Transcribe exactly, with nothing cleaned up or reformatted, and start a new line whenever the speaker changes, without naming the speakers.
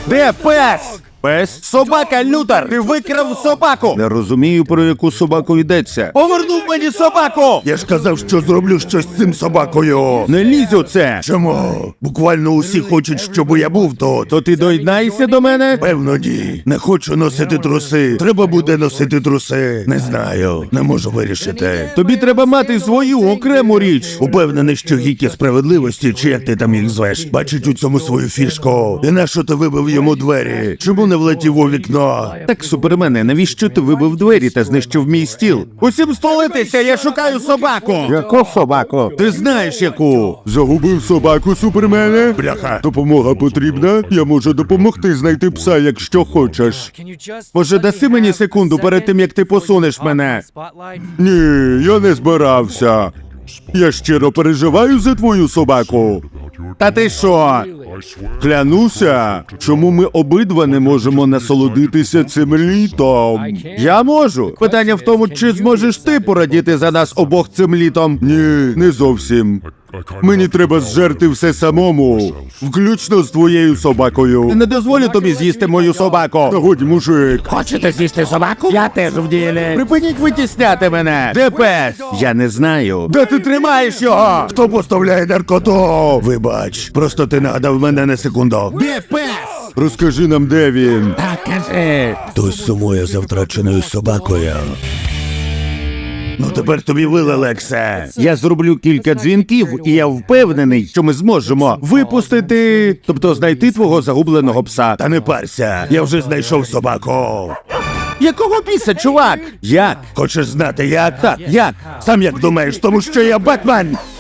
Де пес? Пес? Собака, Лютер! Ти викрав собаку! Не розумію, про яку собаку йдеться. Повернув мені собаку!
Я ж казав, що зроблю щось з цим собакою.
Не лізь у це!
Чому? Буквально усі хочуть, щоб я був тут.
То ти доєднаєшся до мене?
Певно, ні. Не хочу носити труси. Треба буде носити труси. Не знаю. Не можу вирішити.
Тобі треба мати свою окрему річ.
Упевнений, що гіки справедливості, чи як ти там їх звеш, бачить у цьому свою фішку. І нащо ти вибив йому двері? Чому не влетів у вікно?
Так, Супермене, навіщо ти вибив двері та знищив мій стіл? Усім столитися, я шукаю собаку! Яку собаку? Ти знаєш яку? Загубив собаку, Супермене?
Бляха.
Допомога потрібна? Я можу допомогти знайти пса, якщо хочеш. Може, даси мені секунду перед тим, як ти посунеш мене? Ні, я не збирався. Я щиро переживаю за твою собаку. Та ти що? Клянуся, чому ми обидва не можемо насолодитися цим літом? Я можу. Питання в тому, чи зможеш ти порадіти за нас обох цим літом? Ні, не зовсім. Мені треба зжерти все самому, включно з твоєю собакою. Не дозволю тобі з'їсти мою собаку. Та годі, мужик.
Хочете з'їсти собаку? Я теж в ділі.
Припиніть витісняти мене. Де пес? Я не знаю. Де ти тримаєш його?
Хто поставляє наркоту? Вибач, просто ти нагадав мене на секунду.
Де пес? Розкажи нам, де він.
Так, кажи. Хтось сумує за втраченою собакою. Ну тепер тобі вили, Лексе.
Я зроблю кілька дзвінків, і я впевнений, що ми зможемо випустити, тобто знайти твого загубленого пса.
Та не парся, я вже знайшов собаку.
Якого біса, чувак? Як?
Хочеш знати як?
Так, як?
Сам як думаєш, тому що я Бетмен.